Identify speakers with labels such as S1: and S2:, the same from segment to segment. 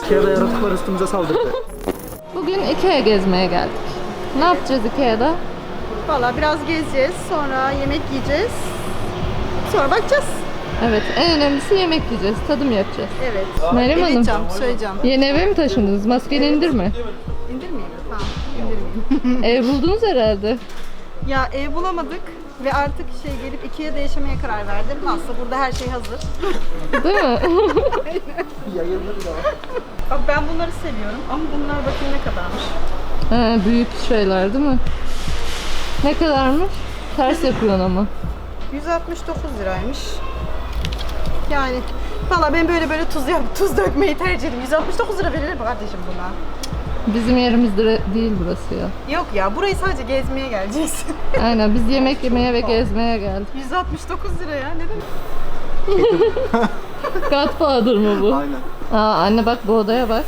S1: Ikea'da yaratıklar üstümüze saldırdı.
S2: Bugün Ikea gezmeye geldik. Ne yapacağız Ikea'da?
S3: Valla biraz gezeceğiz, sonra yemek yiyeceğiz. Sonra bakacağız.
S2: Evet, en önemlisi yemek yiyeceğiz, tadım yapacağız.
S3: Evet.
S2: Meryem Hanım,
S3: Edeceğim, söyleyeceğim.
S2: yeni eve mi taşındınız? Maskeni indirme.
S3: İndirmeyeyim. Tamam, indirmeyeyim.
S2: Ev buldunuz herhalde.
S3: Ya ev bulamadık ve artık gelip Ikea'da yaşamaya karar verdim. Nasıl burada her şey hazır.
S2: Değil mi?
S1: Yayılır da.
S3: Bak ben bunları seviyorum ama bunlar bakayım ne kadarmış.
S2: He, büyük şeyler değil mi? Ne kadarmış? Ters yapıyorsun ama.
S3: 169 liraymış. Yani valla ben böyle tuz dökmeyi tercih ederim. 169 lira verilir mi kardeşim buna?
S2: Bizim yerimizde değil burası ya.
S3: Yok ya, burayı sadece gezmeye geleceğiz.
S2: Aynen, biz yemek yemeye ve gezmeye geldik.
S3: 169 lira ya, ne demek?
S2: Godfather mı bu?
S1: Aynen.
S2: Aa, anne bak bu odaya bak.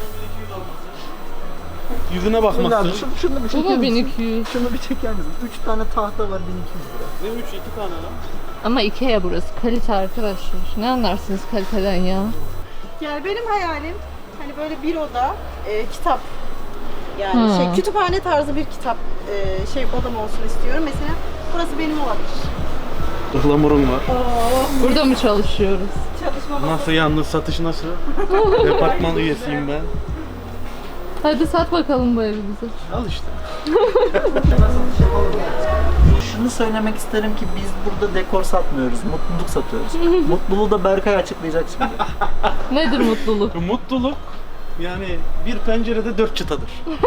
S4: Yüzüne bakmazsın.
S1: Şunu bir
S2: Bu
S1: çeker
S2: mu
S1: misin?
S2: 1200?
S1: Şunu bir çeker misin? 3 tane tahta var 1200 lira.
S4: Ne 3 2 tane lan?
S2: Ama Ikea burası. Kalite arkadaşlar. Ne anlarsınız kaliteden ya?
S3: Yani benim hayalim hani böyle bir oda kitap. Yani kütüphane tarzı bir kitap odam olsun istiyorum. Mesela burası benim olabilir.
S4: Ihlamurun var.
S2: Burada mı çalışıyoruz?
S3: Çalışma masası.
S4: Nasıl yalnız satış nasıl? Departman üyesiyim ben.
S2: Hadi sat bakalım bu evi bize.
S4: Al işte.
S1: Şunu söylemek isterim ki biz burada dekor satmıyoruz, mutluluk satıyoruz. Mutluluğu da Berkay açıklayacak şimdi.
S2: Nedir mutluluk?
S4: Mutluluk yani bir pencerede 4 çıtadır.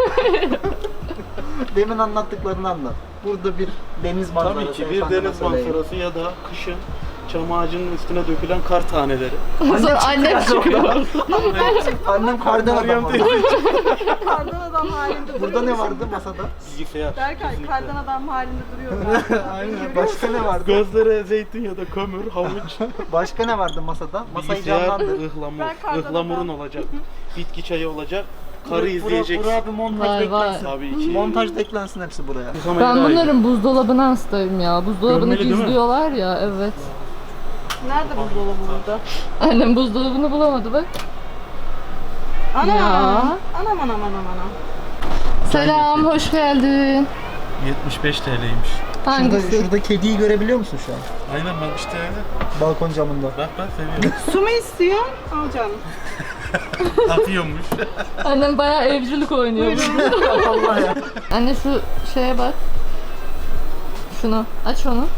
S1: Demin anlattıklarını anlat. Burada bir deniz manzarası.
S4: Tabii ki bir
S1: efendime
S4: deniz
S1: söyleyeyim.
S4: manzarası ya da kışın çam ağacının üstüne dökülen kar taneleri.
S2: Sonra annem çıkıyor.
S1: Annem kardan adam oldu.
S3: Kardan adam halinde duruyor.
S1: Burada ne vardı masada?
S4: Bilgisayar.
S3: Berkay
S4: kesinlikle.
S3: kardan adam halinde duruyor.
S1: Aynen. Başka ne vardı?
S4: Gözlere zeytin ya da kömür, havuç,
S1: Başka ne vardı masada? Masayı
S4: bilgisayar,
S1: canlandır.
S4: ıhlamur.
S3: Ben kardan
S4: Ihlamurun
S3: adam.
S4: olacak. Bitki çayı olacak. Karı izleyeceksin.
S1: Buraya bir montaj
S2: Vay vay.
S1: eklensin.
S4: Tabii ki.
S1: Montaj eklensin hepsi buraya.
S2: Ben bunların buzdolabına hastayım ya. Buzdolabını
S4: Görmeli değil mi?
S2: gizliyorlar ya, evet.
S3: Nerede buzdolabı burada?
S2: Annem buzdolabını bulamadı bak.
S3: Ana.
S2: Ya.
S3: Anam.
S2: Selam, hoş geldin.
S4: 75 TL'ymiş.
S2: Hangisi?
S1: Şurada kediyi görebiliyor musun şu an?
S4: Aynen bak işte öyle.
S1: Balkon camında.
S4: Bak ben seviyorum.
S3: Su mu istiyorsun? Al canım.
S4: Atıyormuş.
S2: Annem bayağı evcilik oynuyor.
S1: Allah ya.
S2: Anne şu şeye bak. Şunu, aç onu.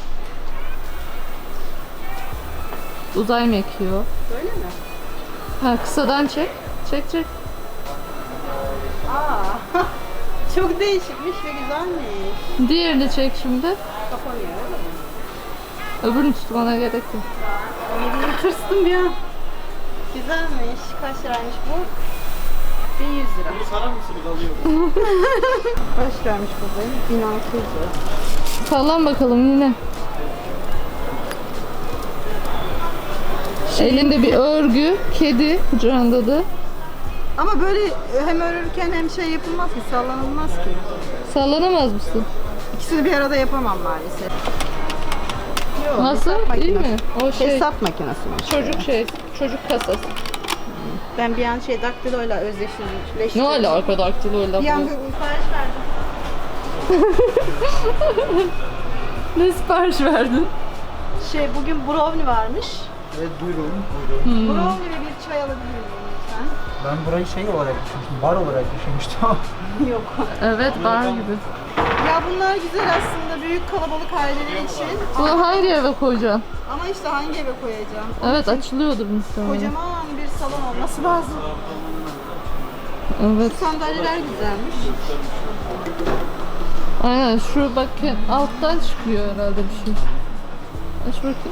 S2: Uzay mekiği o.
S3: Böyle mi?
S2: Ha, kısadan çek. Çek.
S3: Aa. Çok değişikmiş ve güzelmiş.
S2: Diğerini çek şimdi.
S3: Kapanıyor öyle mi?
S2: Öbürünü tutmana gerek yok.
S3: Bir tırstım bir an. Güzelmiş. Kaç liraymış bu? 1100 lira.
S4: Bunu sarar mısınız alıyorum.
S3: Kaç liraymış bu? 1600 lira.
S2: Sallan bakalım yine. Elinde bir örgü, kedi kucağında da.
S3: Ama böyle hem örürken hem şey yapılmaz ki, sallanılmaz ki.
S2: Sallanamaz mısın?
S3: İkisini bir arada yapamam maalesef. Yok,
S2: Nasıl?
S3: hesap
S2: İyi
S3: makinesi.
S2: mi? O şey,
S3: Hesap makinesi mi?
S2: çocuk kasası.
S3: Ben bir an daktiloyla özdeşleştirdim.
S2: Ne alaka daktiloyla
S3: Bir an
S2: bu?
S3: sipariş verdim.
S2: Ne sipariş verdin?
S3: Bugün brownie varmış.
S1: Evet buyurun.
S3: Brownie ve bir çay alabilir miyim lütfen?
S1: Ben burayı şey olarak düşünmüştüm, bar olarak düşünmüştüm.
S3: Yok.
S2: Evet, bar gibi.
S3: Ya bunlar güzel aslında büyük kalabalık aileler için.
S2: Bunu hangi eve koyacaksın?
S3: Ama işte hangi eve koyacağım?
S2: Evet, açılıyordur muhtemelen.
S3: Kocaman bir salon olması lazım.
S2: Evet.
S3: Sandalyeler güzelmiş.
S2: Aynen, şu bak alttan çıkıyor herhalde bir şey. Aç bakayım.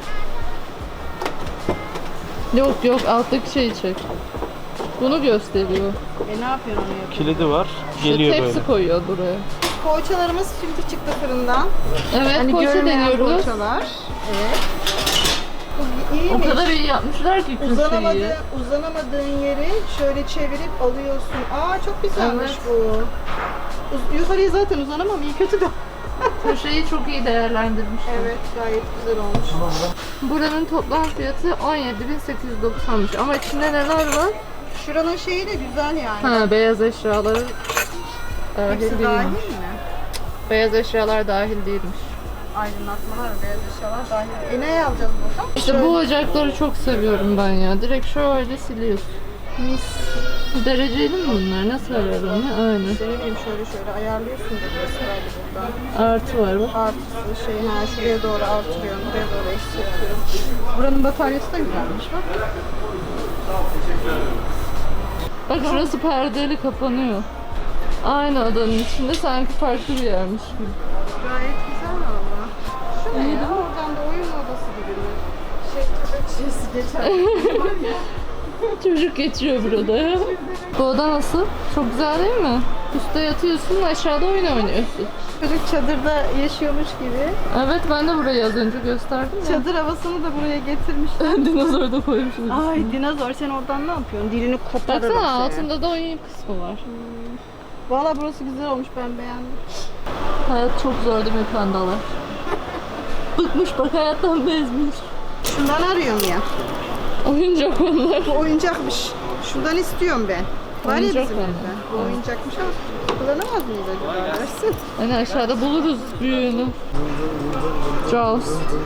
S2: Yok, alttaki şeyi çek. Bunu gösteriyor.
S3: Ne yapıyorsun onu yapıyor?
S4: Kilidi var.
S2: İşte
S4: Geliyor
S2: tepsi
S4: böyle.
S2: koyuyor buraya.
S3: Poğaçalarımız şimdi çıktı fırından.
S2: Evet,
S3: Hani
S2: poğaça
S3: görünmeyen
S2: deniyoruz.
S3: poğaçalar. Evet. Bu iyiymiş.
S2: O kadar iyi yapmışlar ki köşeyi.
S3: Uzanamadığın yeri şöyle çevirip alıyorsun. Aa çok güzelmiş
S2: Evet.
S3: bu. Yukarıya zaten uzanamam, iyi kötü de.
S2: Köşeyi çok iyi değerlendirmişler.
S3: Evet, gayet güzel olmuş.
S2: Buranın toplam fiyatı 17.890'mış ama içinde neler var?
S3: Şuranın şeyi de güzel yani.
S2: Ha, beyaz eşyaları dahil
S3: Hepsi
S2: değilmiş.
S3: dahil mi?
S2: Beyaz eşyalar dahil değilmiş.
S3: Aydınlatmalar, beyaz eşyalar dahil. Ne alacağız buradan?
S2: İşte bu ocakları çok seviyorum ben ya. Direkt şöyle siliyorsun.
S3: mis.
S2: Dereceli mi bunlar? Nasıl ayarladın ya? Aynen.
S3: İşte ne bileyim şöyle ayarlıyorsun da burası herhalde buradan.
S2: Artı var bak.
S3: Artısı şey şuraya doğru artırıyorum, buraya doğru eksiltiyorum. Buranın bataryası da güzelmiş bak.
S2: Bak şurası perdeli kapanıyor. Aynı odanın içinde sanki farklı bir yermiş gibi.
S3: Gayet güzel valla. Şu ne ya? Oradan da oyun odası gibi mi? Köpek şişesi geçer.
S2: Çocuk geçiyor burada ya. Bu oda nasıl? Çok güzel değil mi? Üstte yatıyorsun, aşağıda oyun oynuyorsun.
S3: Çocuk çadırda yaşıyormuş gibi.
S2: Evet, ben de burayı az önce gösterdim ya.
S3: Çadır havasını da buraya getirmişler.
S2: Dinozor da koymuşuz.
S3: Ay dinozor sen oradan ne yapıyorsun? Dilini koparırım
S2: Baksana
S3: seni.
S2: altında da oyun kısmı var.
S3: Valla burası güzel olmuş ben beğendim.
S2: Hayat çok zor değil mi pandalar? Bıkmış bak hayattan bezmiş.
S3: Şundan arıyorum ya.
S2: Oyuncak onlar.
S3: Bu oyuncakmış. Şundan istiyorum ben. Var ya
S2: Oyuncak
S3: bizim
S2: mı?
S3: evde. Bu oyuncakmış ama kullanamaz mıyız acaba dersin?
S2: Hani aşağıda buluruz büyüğünü. Jaws.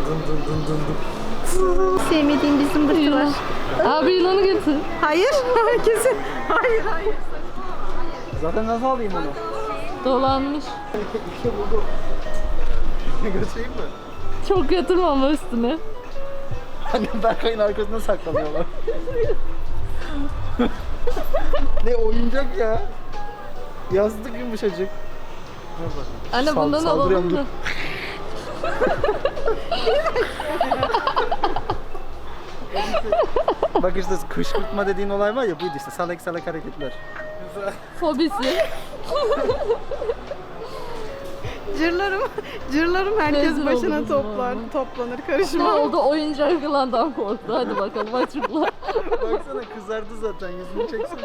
S3: Sevmediğim bir zımbırtı var.
S2: Abi yılanı getir.
S3: Hayır, kesin. Hayır, hayır.
S1: Zaten nasıl alayım onu?
S2: Dolanmış.
S1: İşte buldu. Götüreyim mi?
S2: Çok yatırma ama üstüne.
S1: Annem Berkay'ın arkasında saklanıyorlar. Ne oyuncak ya? Yazdık yumuşacık.
S2: Anne bundan
S1: Saldırıyorum,
S2: alalım mı?
S1: Bak işte kışkırtma dediğin olay var ya, buydu işte, salak salak hareketler.
S2: Fobisi.
S3: Cırlarım herkes
S2: Rezil
S3: başına
S2: oldunuz
S3: toplanır
S2: Ne
S3: karışma.
S2: oldu? Oyuncak yılandan korktu. Hadi bakalım açıkla.
S1: Baksana kızardı zaten, yüzünü çeksene.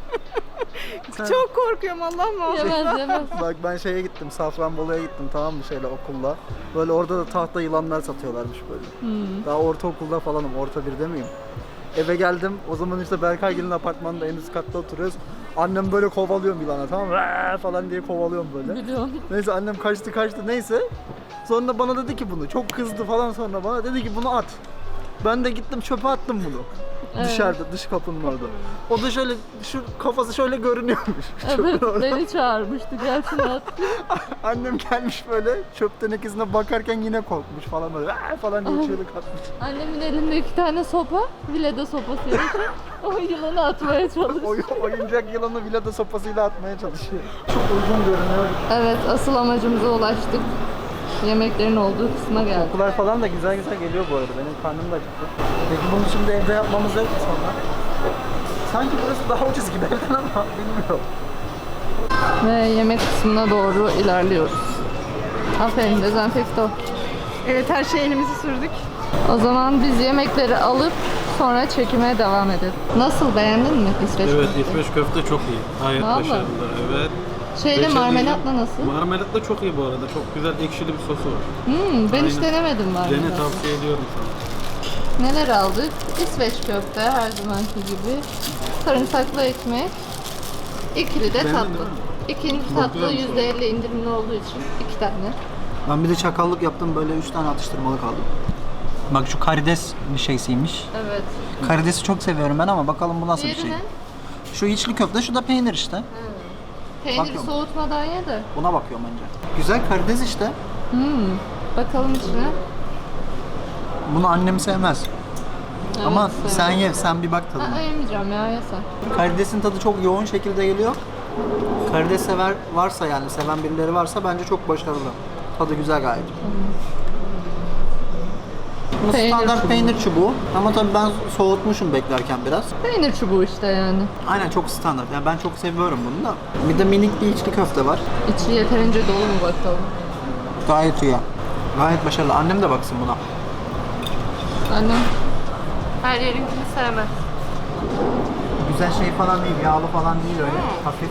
S3: Çok korkuyorum Allah muhafaza.
S2: Yemez yemez.
S1: Bak ben şeye gittim, Safranbolu'ya gittim, tamam mı, şeyle, okulla. Böyle orada da tahta yılanlar satıyorlarmış böyle. Daha ortaokulda falanım, orta birde miyim? Eve geldim, o zaman işte Berkaygil'in apartmanında en üst katta oturuyoruz. Annem böyle kovalıyorum yılana, tamam mı? "Aa!" falan diye kovalıyorum böyle.
S2: Biliyorum.
S1: Neyse annem kaçtı neyse. Sonra bana dedi ki bunu, çok kızdı falan, sonra bana dedi ki bunu at. Ben de gittim çöpe attım bunu.
S2: Evet.
S1: Dışarıda, dış kapının orada. O da şöyle, şu kafası şöyle görünüyormuş. Çöpün
S2: Evet,
S1: orada.
S2: beni çağırmıştı. Gel şunu at.
S1: Annem gelmiş böyle çöp tenekesine bakarken yine korkmuş falan böyle "Aa!" falan diye çığlık atmış.
S2: Annemin elinde 2 tane sopa. Vileda sopası yarışı. O yılanı atmaya çalışıyor.
S1: Oyuncak yılanı vilada sopasıyla atmaya çalışıyor. Çok uygun görünüyor.
S2: Evet, asıl amacımıza ulaştık. Yemeklerin olduğu kısma geldik.
S1: Kokular falan da güzel güzel geliyor bu arada. Benim karnım da acıktı. Peki bunu şimdi evde yapmamız yok mu sonra? Sanki burası daha ucuz gibi evden ama bilmiyorum.
S2: Ve yemek kısmına doğru ilerliyoruz. Aferin dezenfekto.
S3: Evet her şey elimizi sürdük.
S2: O zaman biz yemekleri alıp sonra çekime devam edelim. Nasıl, beğendin mi İsveç
S4: Evet,
S2: köfteyi?
S4: İsveç köfte çok iyi. Gayet
S2: Vallahi.
S4: başarılı. Evet.
S2: Şeyle
S4: Beşeri
S2: marmelatla nasıl?
S4: Marmelatla çok iyi bu arada. Çok güzel ekşili bir sosu var.
S2: Ben hiç
S4: Aynen.
S2: denemedim
S4: Dene,
S2: marmelatla.
S4: tavsiye ediyorum sana.
S2: Neler aldık? İsveç köfte her zamanki gibi. Sarımsaklı ekmek. İkili de
S4: Beğendin
S2: tatlı.
S4: değil mi?
S2: İkinci
S4: Çok
S2: tatlı
S4: güzelmiş o.
S2: %50 indirimli olduğu için 2 tane.
S1: Ben bir de çakallık yaptım, böyle 3 tane atıştırmalık aldım. Bak şu karides bir şeysiymiş.
S2: Evet.
S1: Karidesi çok seviyorum ben ama bakalım bu nasıl bir
S2: Diğeri
S1: şey.
S2: ne?
S1: Şu içli köfte, şu da peynir işte.
S2: Peyniri
S1: Bakıyorum.
S2: soğutmadan ye de.
S1: Buna bakıyorum önce. Güzel karides işte.
S2: Bakalım içine.
S1: Bunu annem sevmez.
S2: Evet,
S1: Ama
S2: severim.
S1: sen ye, sen bir bak tadına.
S2: Yemeyeceğim ya, ye sen.
S1: Karidesin tadı çok yoğun şekilde geliyor. Karides sever varsa, yani seven birileri varsa bence çok başarılı. Tadı güzel gayet. Bu
S2: Peynir
S1: standart
S2: çubuğu.
S1: peynir çubuğu. Ama tabii ben soğutmuşum beklerken biraz.
S2: Peynir çubuğu işte yani.
S1: Aynen, çok standart. Yani ben çok seviyorum bunu da. Bir de minik bir içli köfte var.
S2: İçi yeterince dolu mu bakalım.
S1: Gayet iyi. Gayet başarılı. Annem de baksın buna.
S2: Annem her yerinkini sevmez.
S1: Güzel şey falan değil, yağlı falan değil öyle. Hafif.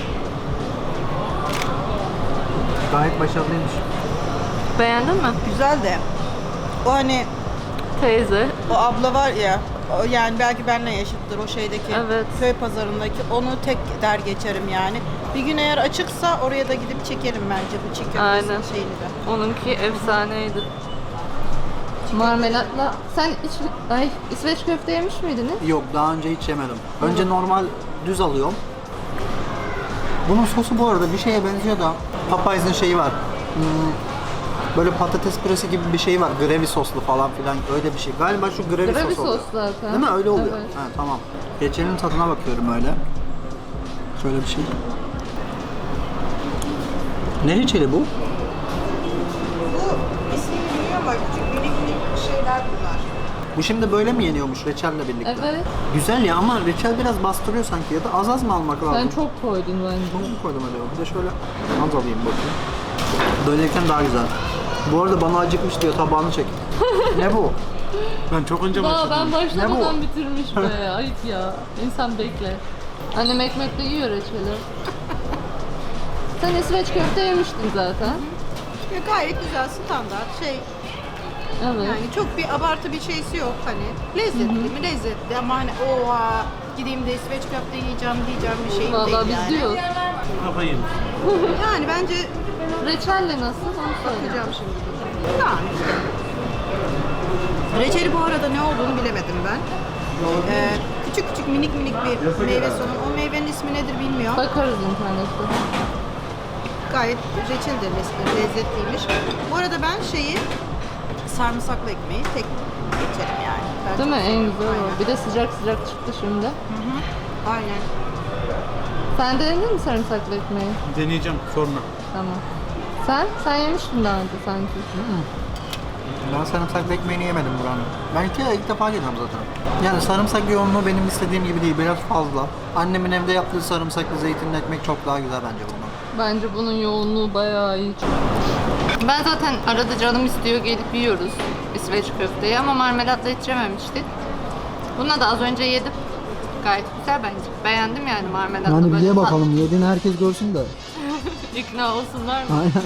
S1: Gayet başarılıymış.
S2: Beğendin mi?
S3: Güzel de o hani
S2: Teyze.
S3: o abla var ya Yani belki benle yaşıttır o şeydeki
S2: Evet.
S3: köy pazarındaki. Onu tek der geçerim yani. Bir gün eğer açıksa oraya da gidip çekerim bence bu çiğ
S2: Aynen.
S3: köftesinin şeyini de.
S2: Onunki efsaneydi. Marmelatla. Sen İsveç köfte yemiş miydiniz?
S1: Yok, daha önce hiç yemedim. Önce normal düz alıyorum. Bunun sosu bu arada bir şeye benziyor da Popeyes'in şeyi var. Böyle patates püresi gibi bir şey var. Gravy soslu falan filan öyle bir şey. Galiba şu gravy,
S2: Gravy
S1: sos oluyor.
S2: sos zaten.
S1: Değil mi? Öyle oluyor.
S2: Evet.
S1: Ha, tamam. Reçelin tadına bakıyorum öyle. Şöyle bir şey. Ne reçeli bu?
S3: Bu ismini bilmiyorum ama küçük minik şeyler bunlar.
S1: Bu şimdi böyle mi yeniyormuş reçelle birlikte?
S2: Evet.
S1: Güzel ya ama reçel biraz bastırıyor sanki ya da az az mı almak lazım?
S2: Sen çok koydun bence.
S1: Çok mu koydum acaba? Bir de şöyle az alayım bakayım. Böyleyken daha güzel. Bu arada bana acıkmış diyor, tabağını çek. Ne bu?
S4: Ben çok önce
S2: Daha
S4: başladım.
S2: ben başlamadan
S1: Ne bu?
S2: bitirmiş be. Ayıp ya. İnsan bekler. Annem ekmekle yiyor reçeli. Sen İsveç köfte yemiştin zaten.
S3: Ya gayet güzel standart şey.
S2: Evet.
S3: Yani çok bir abartı bir şeysi yok hani. Lezzetli mi? Lezzetli ama hani oha gideyim de İsveç köfte yiyeceğim diyeceğim bir şey
S2: Vallahi
S3: değil
S2: biz
S3: yani.
S2: diyoruz.
S4: Kafayı yemiş.
S3: Yani bence
S2: Reçelle nasıl? Onu söyle.
S3: bakacağım şimdi. Yani. Reçeli bu arada ne olduğunu bilemedim ben. Küçük küçük minik minik bir meyve sonu. O meyvenin ismi nedir bilmiyorum.
S2: Bakarız internette.
S3: Gayet reçel de lezzetliymiş. Bu arada ben şeyi sarımsaklı ekmeği tek geçerim yani. Ben
S2: Değil
S3: çok
S2: mi? En
S3: seviyorum.
S2: güzel o.
S3: Aynen.
S2: Bir de sıcak sıcak çıktı şimdi.
S3: Aynen.
S2: Sen denedin mi sarımsaklı ekmeği?
S4: Deneyeceğim sonra.
S2: Tamam. Sen yemiştin daha önce sanki.
S1: Ben sarımsaklı ekmeğini yemedim buranın. Ben ilk defa geliyorum zaten. Yani sarımsak yoğunluğu benim istediğim gibi değil, biraz fazla. Annemin evde yaptığı sarımsaklı zeytinli ekmek çok daha güzel bence bundan.
S2: Bence bunun yoğunluğu bayağı iyi. Ben zaten arada canım istiyor gelip yiyoruz İsveç köfteyi ama marmelatla hiç yememiştik. Buna da az önce yedim. Gayet güzel bence. Beğendim yani marmelatla.
S5: Yani bir
S2: böyle
S5: ye
S2: tat-
S5: bakalım, yediğini herkes görsün de.
S2: İkna olsunlar mı?
S5: Aynen.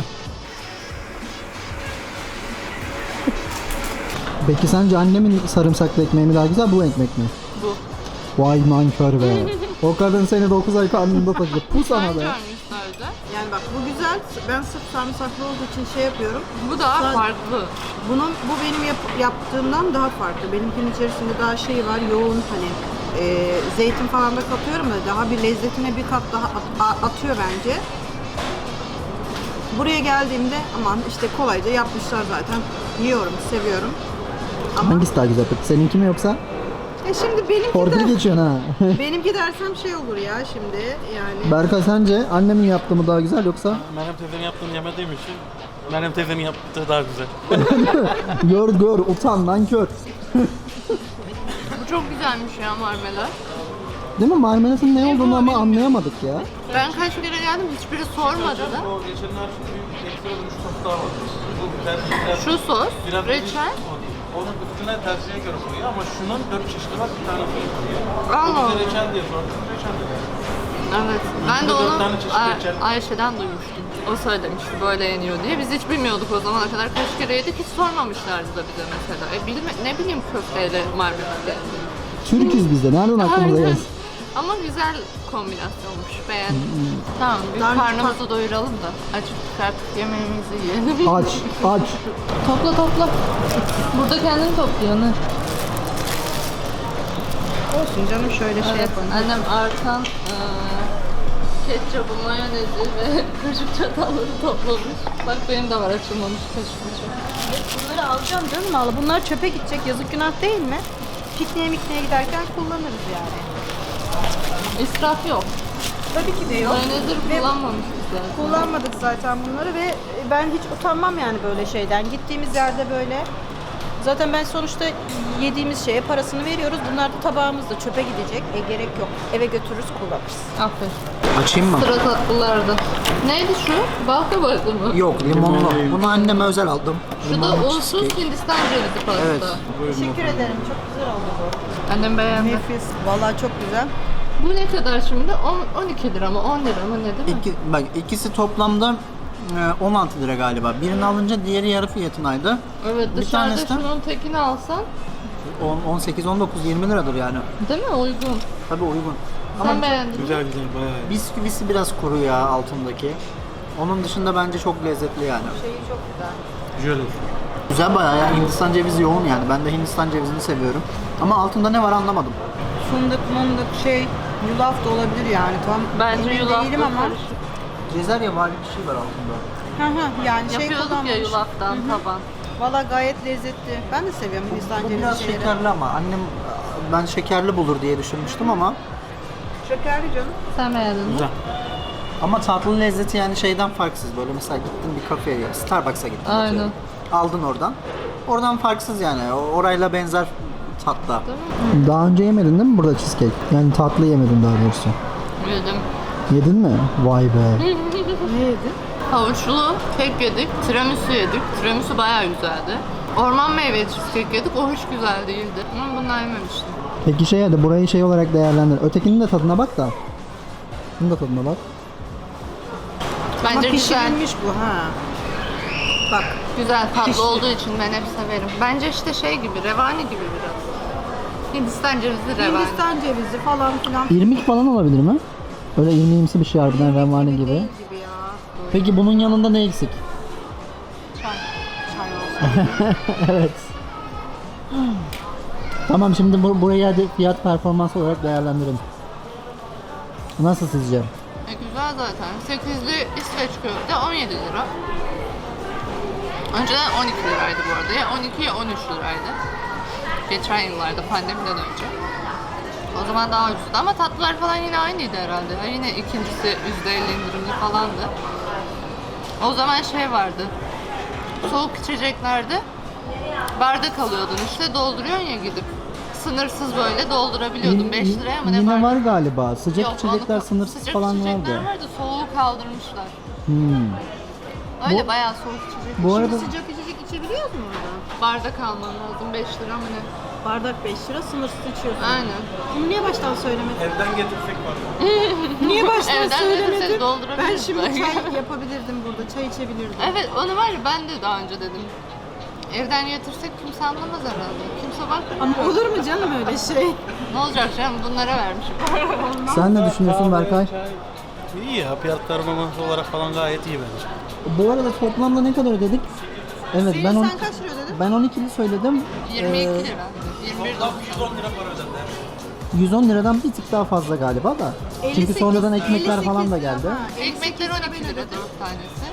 S5: Peki sence annemin sarımsaklı ekmeği mi daha güzel, bu ekmek mi?
S2: Bu.
S5: Vay nankör be. O kadın seni 9 ay karnında taşıdı. Bu sana
S2: Hangi
S5: be.
S2: görmüşlerdi?
S3: Yani bak bu güzel. Ben sırf sarımsaklı olduğu için şey yapıyorum.
S2: Bu daha
S3: Sen-
S2: farklı.
S3: Bu benim yaptığımdan daha farklı. Benimkinin içerisinde daha şey var, yoğun hani zeytin falan da katıyorum da daha bir lezzetine bir kat daha atıyor bence. Buraya geldiğimde aman işte kolayca yapmışlar zaten. Yiyorum, seviyorum. Ama
S5: Hangisi daha güzel peki? Seninki mi yoksa?
S3: şimdi benimki
S5: Torpil
S3: de
S5: geçiyorsun ha.
S3: benimki dersem şey olur ya şimdi yani.
S5: Berkay sence annemin yaptığı mı daha güzel yoksa?
S4: Meryem teyzenin yaptığını yemediğim için Meryem teyzenin yaptığı daha güzel.
S5: Gör utan nankör.
S2: Bu çok güzelmiş ya marmelat.
S5: Değil mi? Marmelatın ne olduğunu ama anlayamadık ya.
S2: Ben kaç kere geldim hiçbiri sormadı da.
S4: O geçenler bir ekstra bir sos daha var. Bu biraz
S2: Şu sos,
S4: biraz
S2: reçel.
S4: o değil. Onun üstüne tercihe göre koyuyor ama şunun 4 çeşidi var, bir tane koyuyor.
S2: Allah
S4: O
S2: Allah.
S4: bize reçel diye sordum, reçel dedi.
S2: Evet. Ben de
S4: Dört
S2: onu
S4: tane çeşit reçel.
S2: Ayşe'den duymuştum. O söylemişti böyle yeniyor diye. Biz hiç bilmiyorduk o zamana kadar. Kaç kere yedik hiç sormamışlardı da bize mesela. Ne bileyim köfteyle marmelat yani.
S5: Türküz biz de. Nereden aklımıza
S2: Aynen.
S5: gelsin?
S2: Ama güzel kombinasyonmuş. Beğendim. Tamam bir
S3: Daha
S2: karnımızı doyuralım da. Acıktık artık yemeğimizi yiyelim.
S5: Aç.
S2: Topla. Burada kendini topluyor ne?
S3: Olsun canım şöyle şey
S2: Evet,
S3: yapalım.
S2: annem artan ketçapı, mayonezi ve kaşık çatalları toplamış. Bak benim de var açılmamış kaşık bıçak.
S3: Bunları alacağım canım valla. Bunlar çöpe gidecek. Yazık günah değil mi? Pikniğe giderken kullanırız yani.
S2: İsraf yok.
S3: Tabii ki de yok.
S2: Mayonezleri
S3: Ve
S2: kullanmamışız zaten.
S3: kullanmadık zaten bunları ve ben hiç utanmam yani böyle şeyden. Gittiğimiz yerde böyle. Zaten ben sonuçta yediğimiz şeye parasını veriyoruz. Bunlar da tabağımızda çöpe gidecek. Gerek yok. Eve götürürüz, kullanırız.
S2: Aferin.
S1: Açayım mı?
S2: Sıra tatlılarda. Neydi şu? Bal kabağı mı?
S1: Yok, limonlu. Bunu anneme özel aldım.
S2: Şu da
S1: Limonlu
S2: unsuz
S1: cheesecake.
S2: Hindistan cevizi pasta.
S1: Evet.
S3: Teşekkür ederim. Çok güzel oldu bu.
S2: Annem beğendi.
S3: Nefis. Vallahi çok güzel.
S2: Bu ne kadar şimdi? 12 lira mı? 10 lira mı? Ne değil mi?
S1: Bak ikisi toplamda 16 lira galiba. Birini alınca diğeri yarı fiyatınaydı.
S2: Evet
S1: Bir
S2: dışarıda
S1: tanesi de-
S2: şunun tekini alsan
S1: 18, 19, 20 liradır yani.
S2: Değil mi? Uygun.
S1: Tabii uygun.
S2: Sen beğendin mi?
S4: Güzel güzel bayağı iyi.
S1: Bisküvisi biraz kuru ya altındaki. Onun dışında bence çok lezzetli yani.
S3: Şeyi çok güzel.
S4: Güzel oldu.
S1: Güzel bayağı yani Hindistan cevizi yoğun yani. Ben de Hindistan cevizini seviyorum. Ama altında ne var anlamadım.
S3: Fındık, yulaf da olabilir yani. Tam
S2: Bence
S3: emin
S2: yulaf
S3: değilim ama.
S1: Cezerye vari bir şey var altında.
S3: Yani şey
S2: Yapıyorduk ya
S3: kullanmamış.
S2: yulaftan taban.
S3: Valla gayet lezzetli. Ben de seviyorum Hindistan
S1: Bu
S3: cevizi
S1: biraz
S3: şeyleri.
S1: şekerli ama annem ben şekerli bulur diye düşünmüştüm ama
S3: Şekerli canım.
S2: Sen beğendin mi?
S4: Güzel.
S1: ama tatlı lezzeti yani şeyden farksız. Böyle mesela gittin bir kafeye, Starbucks'a gittin.
S2: Aynen.
S1: atıyorum. Aldın oradan. Oradan farksız yani. Orayla benzer tatta.
S5: Daha önce yemedin değil mi burada cheesecake? Yani tatlı yemedin daha doğrusu.
S2: Yedim.
S5: Yedin mi? Vay be.
S3: Ne yedin?
S2: Havuçlu kek yedik, tiramisu yedik. Tiramisu bayağı güzeldi. Orman meyveli cheesecake yedik, o hiç güzel değildi. Ama bundan yememiştim.
S5: Peki şey hadi burayı şey olarak değerlendir. Ötekinin de tadına bak da. Bunun da tadına bak.
S3: Ama
S2: Bence güzel.
S3: pişirilmiş bu ha. Bak.
S2: Güzel, tatlı
S3: Pişti.
S2: olduğu için ben hep severim. Bence işte şey gibi, revani gibi biraz. Hindistan cevizi revani.
S3: Hindistan cevizi falan filan.
S5: İrmik falan olabilir mi? Öyle irmiğimsi bir şey harbiden revani gibi.
S3: Değil gibi ya.
S5: Peki bunun yanında ne eksik?
S3: Çay. Çay olsun.
S5: Evet. Tamam şimdi burayı hadi fiyat performans olarak değerlendirin. Nasıl sizce?
S2: Güzel zaten. 8'li İsveç köfte 17 lira. Önceden 12 liraydı bu arada. Ya 12 ya 13 liraydı. Geçen yıllarda pandemiden önce. O zaman daha ucuzdu ama tatlılar falan yine aynıydı herhalde. Ya yine ikincisi %50 indirimli falandı. O zaman şey vardı. Soğuk içeceklerde bardak alıyordun işte dolduruyorsun ya gidip. Sınırsız böyle doldurabiliyordun 5 liraya mı ne
S5: Yine
S2: bardak?
S5: var galiba. Sıcak
S2: Yok,
S5: içecekler
S2: onu-
S5: sınırsız
S2: sıcak
S5: falan
S2: içecekler
S5: vardı.
S2: vardı. Soğuğu kaldırmışlar.
S5: Hmm.
S2: Öyle bayağı soğuk içecek.
S5: Bu arada
S3: Sıcak içecek içebiliyoruz mu orada?
S2: Bardak alman lazım 5 lira mı ne?
S3: Bardak 5 lira sınırsız içiyorsun.
S2: Aynen.
S3: Bunu niye baştan söylemedin?
S4: Evden getirsek var.
S3: Niye baştan
S2: Evden
S3: söylemedin?
S2: getirsek doldurabiliriz
S3: Ben şimdi
S2: belki.
S3: çay yapabilirdim burada. Çay içebilirdim.
S2: Evet onu var ya ben de daha önce dedim. Evden getirsek kimse anlamaz herhalde. Kimse bakmıyor.
S3: Ama olur mu canım öyle şey?
S2: Ne olacak canım bunlara vermişim.
S5: sen ne düşünüyorsun Berkay?
S4: İyi ya fiyat performansı olarak falan gayet iyi bence.
S5: Bu arada toplamda ne kadar ödedik? Evet
S3: Senin
S5: ben
S3: sen kaç lira ödedin?
S5: ben 12'li söyledim.
S2: 22 lira. 21
S4: Toplam 110 lira para ödendi.
S5: 110 liradan bir tık daha fazla galiba da. Çünkü
S3: 58
S5: sonradan ekmekler
S3: 58
S5: falan da
S3: lira,
S5: geldi.
S3: ha,
S2: Ekmekler
S3: 58
S2: 12 lira
S3: ben ödedim.
S2: 4 tanesi.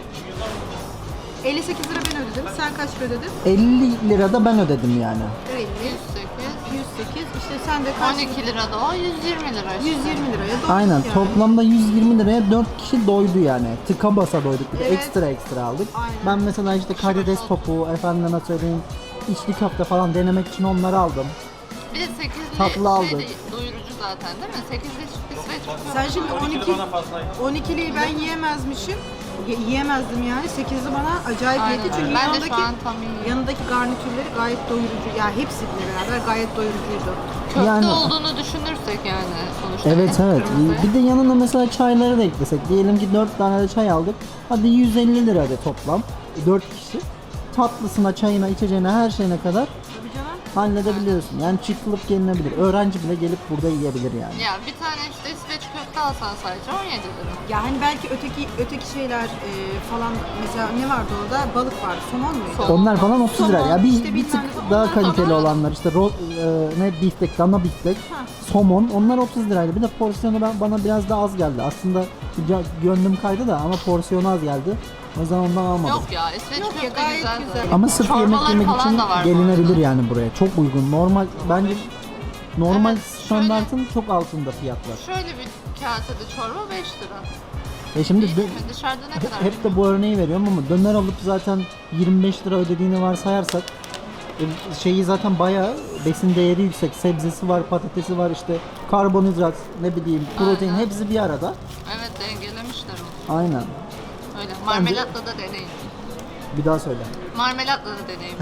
S3: 58 lira ben ödedim. Sen kaç lira ödedin?
S5: 50 lira da ben ödedim yani.
S3: 50,
S2: 108.
S3: 108. İşte sen de kaç?
S2: 12 lira da o 120 lira işte.
S3: 120 liraya doyduk
S5: Aynen
S3: yani.
S5: toplamda 120 liraya 4 kişi doydu yani. Tıka basa doyduk. Bir de
S3: Evet.
S5: ekstra aldık.
S3: Aynen.
S5: Ben mesela işte karides topu, efendime söyleyeyim içli köfte falan denemek için onları aldım.
S2: Bir de 8'li
S5: Tatlı
S2: şey
S5: aldık.
S2: de doyurucu zaten değil mi? 8'li İsveç köfte.
S3: Sen şimdi
S4: 12 lira bana fazlaydı.
S3: 12'liyi ben yiyemezmişim. Yiyemezdim yani. 8'li bana acayip
S2: Aynen
S3: yedi.
S2: öyle.
S3: Çünkü
S2: Ben de şu an tam yiyeyim.
S3: yanındaki garnitürleri gayet doyurucu. Ya hepsiyle beraber gayet doyurucuydu.
S2: Köfte
S5: Yani-
S2: olduğunu düşünürsek yani sonuçta.
S5: Evet evet.
S2: Kırmızı.
S5: Bir de yanına mesela çayları da eklesek. Diyelim ki 4 tane de çay aldık. Hadi 150 lira de toplam. 4 kişi. Tatlısına, çayına, içeceğine, her şeyine kadar
S3: Tabii canım.
S5: halledebiliyorsun. Yani çıkılıp gelinebilir. Öğrenci bile gelip burada yiyebilir yani.
S2: Ya bir tane işte İsveç köfte alsan sadece 17 lira.
S3: Yani belki öteki şeyler falan mesela ne vardı orada? Balık vardı. Somon muydu?
S2: Somon.
S5: Onlar falan 30 lira. Ya bir,
S3: işte
S5: bir
S3: bilmem
S5: tık
S3: ne.
S5: daha
S3: Onlar
S5: kaliteli
S2: falan-
S5: olanlar işte ne biftek, dana biftek,
S3: Ha.
S5: somon onlar 30 liraydı. Bir de porsiyonu bana biraz daha az geldi. Aslında gönlüm kaydı da ama porsiyonu az geldi. O yüzden ondan almadım.
S2: Yok ya İsveç
S3: Yok ya,
S2: köfte
S3: gayet
S2: güzel.
S3: güzel.
S2: zaten.
S5: Ama sırf yemek
S2: Çorbaları
S5: yemek
S2: falan
S5: için
S2: da var bu
S5: gelinebilir
S2: arada.
S5: yani buraya. Çok uygun. Normal bence normal
S2: Evet,
S5: standartın çok altında fiyatlar.
S2: Şöyle bir kasede çorba 5 lira.
S5: Şimdi
S2: Değil mi? Dışarıda ne kadar?
S5: hep de bu örneği veriyorum ama döner alıp zaten 25 lira ödediğini varsayarsak şeyi zaten bayağı besin değeri yüksek. Sebzesi var, patatesi var, işte karbonhidrat, ne bileyim, protein
S2: Aynen.
S5: hepsi bir arada.
S2: Evet dengelemişler onu.
S5: Aynen.
S2: Öyle. Marmelatla da deneyin.
S5: Bir daha söyle.
S2: Marmelatla da deneyin.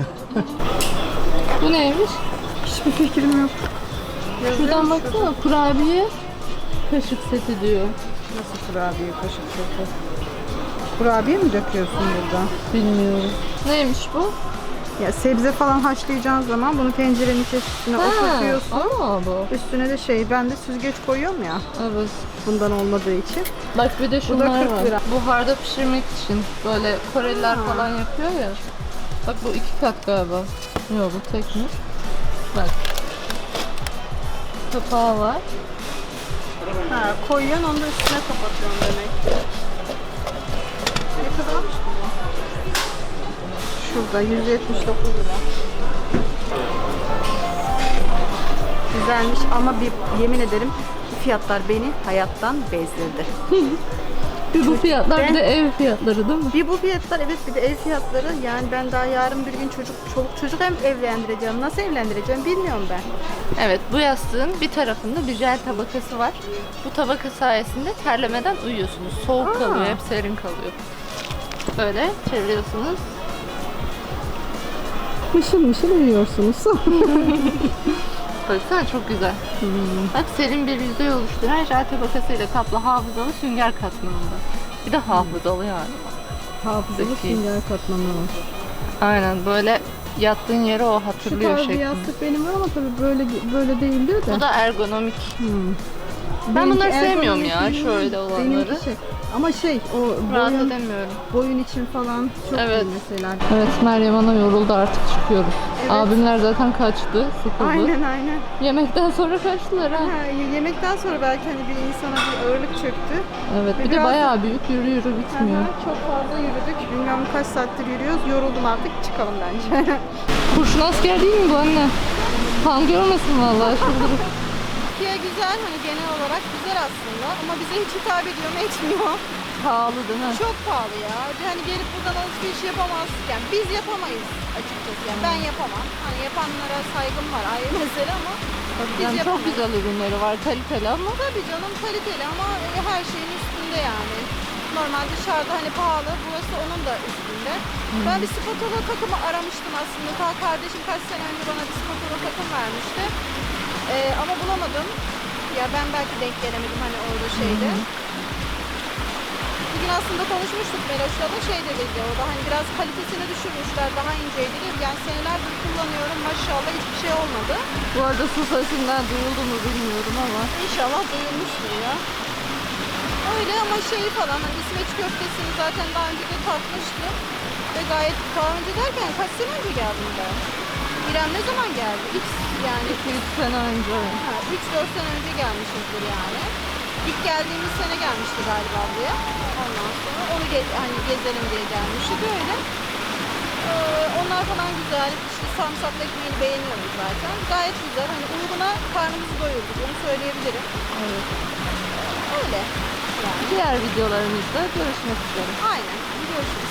S2: Bu neymiş?
S3: Hiçbir fikrim yok.
S2: Şuradan baksana kurabiye kaşık seti diyor.
S3: Nasıl kurabiye kaşık seti? Kurabiye mi döküyorsun burada?
S2: Bilmiyorum. Neymiş bu?
S3: Ya sebze falan haşlayacağın zaman bunu tencerenin içerisine oturtuyorsun.
S2: Ama bu.
S3: Üstüne de ben de süzgeç koyuyorum ya.
S2: Evet.
S3: Bundan olmadığı için.
S2: Bak bir de şunlar
S3: 40
S2: var.
S3: lira.
S2: Buharda pişirmek için böyle Koreliler falan yapıyor ya. Bak bu 2 kat galiba. Yok bu tek mi? Bak. Kapağı var.
S3: Ha, koyuyorsun onu da üstüne kapatıyorsun demek ki. Ne kadarmış bu? Şurada 179 lira. Güzelmiş ama yemin ederim bu fiyatlar beni hayattan bezdirdi.
S2: Bir bu fiyatlar
S3: Ben-
S2: bir de ev fiyatları değil mi?
S3: Bir bu fiyatlar, evet, bir de ev fiyatları. Yani ben daha yarın bir gün çoluk çocuk hem evlendireceğim. Nasıl evlendireceğim bilmiyorum ben.
S2: Evet, bu yastığın bir tarafında bir jel tabakası var. Bu tabaka sayesinde terlemeden uyuyorsunuz. Soğuk kalıyor, hep serin kalıyor. Böyle çeviriyorsunuz.
S3: Mışıl mışıl uyuyorsunuz.
S2: Baksana çok güzel. Bak serin bir yüzey oluşturan jel tabakasıyla kaplı hafızalı sünger katmanında. Bir de hafızalı yani.
S3: Hafızalı
S2: Zeki.
S3: sünger katmanı var.
S2: Aynen böyle yattığın yere o
S3: Şu
S2: hatırlıyor
S3: tarz bir
S2: şeklinde.
S3: yastık benim var ama tabii böyle değildir de.
S2: Bu da ergonomik. Ben
S3: Benimki
S2: bunları sevmiyorum ya,
S3: ergonomik değil,
S2: şöyle olanları.
S3: Benimki ama o
S2: Rahat edemiyorum.
S3: boyun için falan çok
S2: Evet.
S3: iyi mesela.
S2: Evet, Meryem Ana yoruldu, artık çıkıyoruz.
S3: Evet.
S2: Abimler zaten kaçtı, sıkıldı.
S3: Aynen.
S2: Yemekten sonra kaçtılar ha.
S3: Ha, yemekten sonra belki hani bir insana bir ağırlık çöktü.
S2: Evet, bir de
S3: Biraz-
S2: bayağı büyük, yürü bitmiyor.
S3: Aha, çok fazla yürüdük. Bilmem kaç saattir yürüyoruz. Yoruldum artık. Çıkalım bence.
S2: Kurşun asker değil mi bu anne? Kan görmesin vallahi şurada.
S3: Türkiye güzel. Hani genel olarak güzel aslında. Ama bize hiç hitap ediyor mu etmiyor.
S2: Pahalı değil mi?
S3: Çok pahalı ya. Hani gelip buradan alışveriş yapamazsın. Yani biz yapamayız açıkçası. Yani ben yapamam. Hani yapanlara saygım var, ayrı mesele ama biz
S2: Yani çok
S3: yapamayız.
S2: güzel ürünleri var, kaliteli ama
S3: Tabii canım, kaliteli ama her şeyin üstünde yani. Normal dışarıda hani pahalı, burası onun da üstünde. Ben bir spatula takımı aramıştım aslında. Ta kardeşim kaç sene önce bana bir spatula takım vermişti. Ama bulamadım. Ya ben belki denk gelemedim hani orada şeyde. Bugün aslında konuşmuştuk Meloş'la da dedi o da hani biraz kalitesini düşürmüşler, daha inceydi. Yani senelerdir kullanıyorum, maşallah hiçbir şey olmadı.
S2: bu arada su sesinden duyuldu mu bilmiyorum ama.
S3: İnşallah duyulmuştur ya. Öyle ama falan hani İsveç köftesini zaten daha önce de tatmıştım. Ve gayet daha önce derken kaç sene önce geldim ben? İrem ne zaman geldi? Yani
S2: 2-3 sene önce.
S3: 3-4 sene önce gelmişizdir yani. İlk geldiğimiz sene gelmişti galiba buraya. Ondan sonra onu hani gezelim diye gelmişti böyle. Onlar falan güzel. İşte sarımsaklı ekmeğini beğeniyorum zaten. Gayet güzel. Hani uyguna karnımızı doyurduk. Onu söyleyebilirim.
S2: Evet.
S3: Öyle. Yani.
S2: Diğer videolarımızda görüşmek üzere.
S3: Aynen. Görüşürüz.